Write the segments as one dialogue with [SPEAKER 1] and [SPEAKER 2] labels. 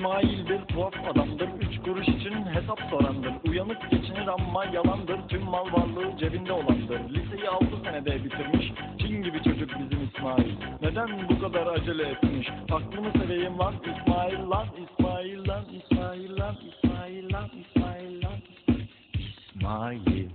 [SPEAKER 1] İsmail bir tuhaf adamdır, 3 kuruş için hesap sorandır. Uyanık geçinir ama yalandır, tüm mal varlığı cebinde olandır. Liseyi 6 senede bitirmiş, Çin gibi çocuk bizim İsmail. Neden bu kadar acele etmiş? Aklımı seveyim lan İsmail lan, İsmail lan, İsmail lan, İsmail lan, İsmail lan, İsmail.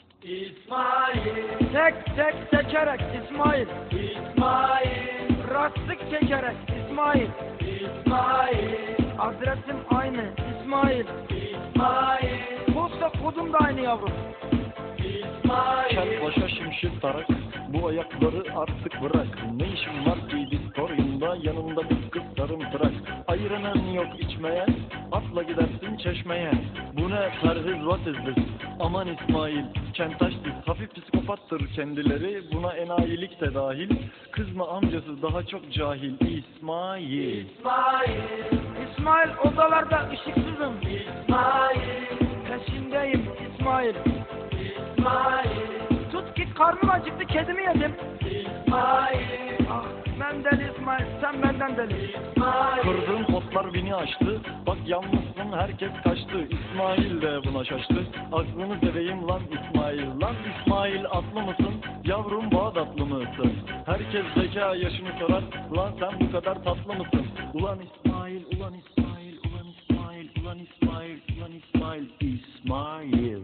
[SPEAKER 2] İsmail,
[SPEAKER 3] Tek tekerek İsmail,
[SPEAKER 2] İsmail,
[SPEAKER 3] rastlık çekerek İsmail,
[SPEAKER 2] İsmail,
[SPEAKER 3] adresim aynı İsmail,
[SPEAKER 2] İsmail,
[SPEAKER 3] posta kodum da aynı yavrum.
[SPEAKER 2] İsmail,
[SPEAKER 1] Kel başa şimşir tarak, bu ayakları artık bırak. Ne işin var ki diskoryumda, yanında bir kız sarımtırak. Ayıranın yok içmeye, atla gidersin çeşmeye. Bu ne perhiz what is this? Aman İsmail, kentaş diz, hafif psikopattır kendileri. Buna enayilik de dahil, kız mı amcası daha çok cahil. İsmail.
[SPEAKER 2] İsmail,
[SPEAKER 3] İsmail odalarda ışıksızım,
[SPEAKER 2] İsmail,
[SPEAKER 3] peşindeyim İsmail.
[SPEAKER 2] İsmail,
[SPEAKER 3] Tut ki karnım acıktı, kedimi yedim.
[SPEAKER 2] İsmail,
[SPEAKER 3] Ah ben deli İsmail, sen benden deli.
[SPEAKER 2] İsmail,
[SPEAKER 1] Kırdığın potlar beni aştı. Bak yalnızsın herkes kaçtı. İsmail de buna şaştı. Aklını seveyim lan İsmail. Lan İsmail atlı mısın? Yavrum Bağdatlı mısın? Herkes zeka yaşını sorar. Lan sen bu kadar tatlı mısın? Ulan İsmail, ulan İsmail, ulan İsmail, ulan İsmail, ulan İsmail, İsmail.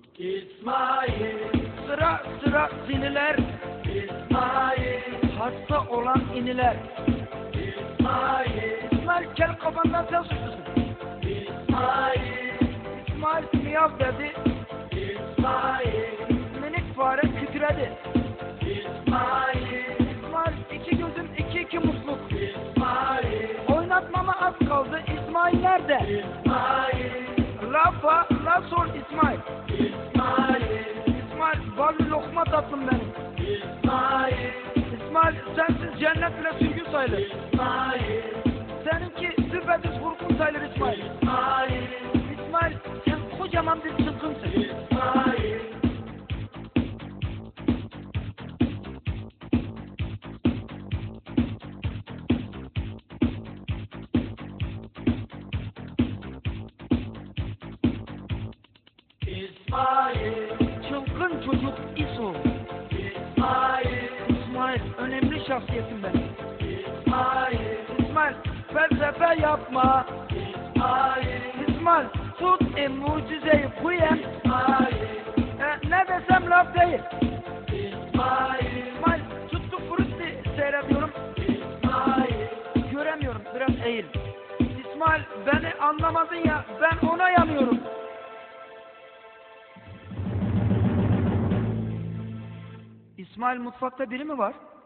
[SPEAKER 2] İsmail,
[SPEAKER 3] Sıra siniler,
[SPEAKER 2] İsmail,
[SPEAKER 3] hasta olan iniler.
[SPEAKER 2] İsmail,
[SPEAKER 3] İsmail kel kafandan sen suçlusun.
[SPEAKER 2] İsmail,
[SPEAKER 3] İsmail miyav dedi,
[SPEAKER 2] İsmail,
[SPEAKER 3] minik fare kükredi.
[SPEAKER 2] İsmail,
[SPEAKER 3] İsmail iki gözüm iki musluk.
[SPEAKER 2] İsmail,
[SPEAKER 3] Oynatmama az kaldı, İsmail nerede?
[SPEAKER 2] İsmail,
[SPEAKER 3] La sor İsmail.
[SPEAKER 2] İsmail,
[SPEAKER 3] İsmail ballı lokma tatlım benim.
[SPEAKER 2] İsmail,
[SPEAKER 3] İsmail sensiz cennet bile sürgün sayılır.
[SPEAKER 2] İsmail,
[SPEAKER 3] Seninki düpedüz vurgun sayılır İsmail.
[SPEAKER 2] İsmail,
[SPEAKER 3] İsmail sen kocaman bir çılgınsın.
[SPEAKER 2] İsmail, İsmail,
[SPEAKER 3] Çılgın çocuk İso.
[SPEAKER 2] İsmail,
[SPEAKER 3] İsmail önemli şahsiyetim ben.
[SPEAKER 2] İsmail,
[SPEAKER 3] İsmail felsefe yapma.
[SPEAKER 2] İsmail,
[SPEAKER 3] İsmail tut mucizeyi kuyem.
[SPEAKER 2] İsmail,
[SPEAKER 3] Ne desem laf değil.
[SPEAKER 2] İsmail,
[SPEAKER 3] İsmail tuttu frutti seyrediyorum.
[SPEAKER 2] İsmail,
[SPEAKER 3] Göremiyorum biraz eğil. İsmail beni anlamadın ya ben ona yanıyorum. İsmail mutfakta biri mi var?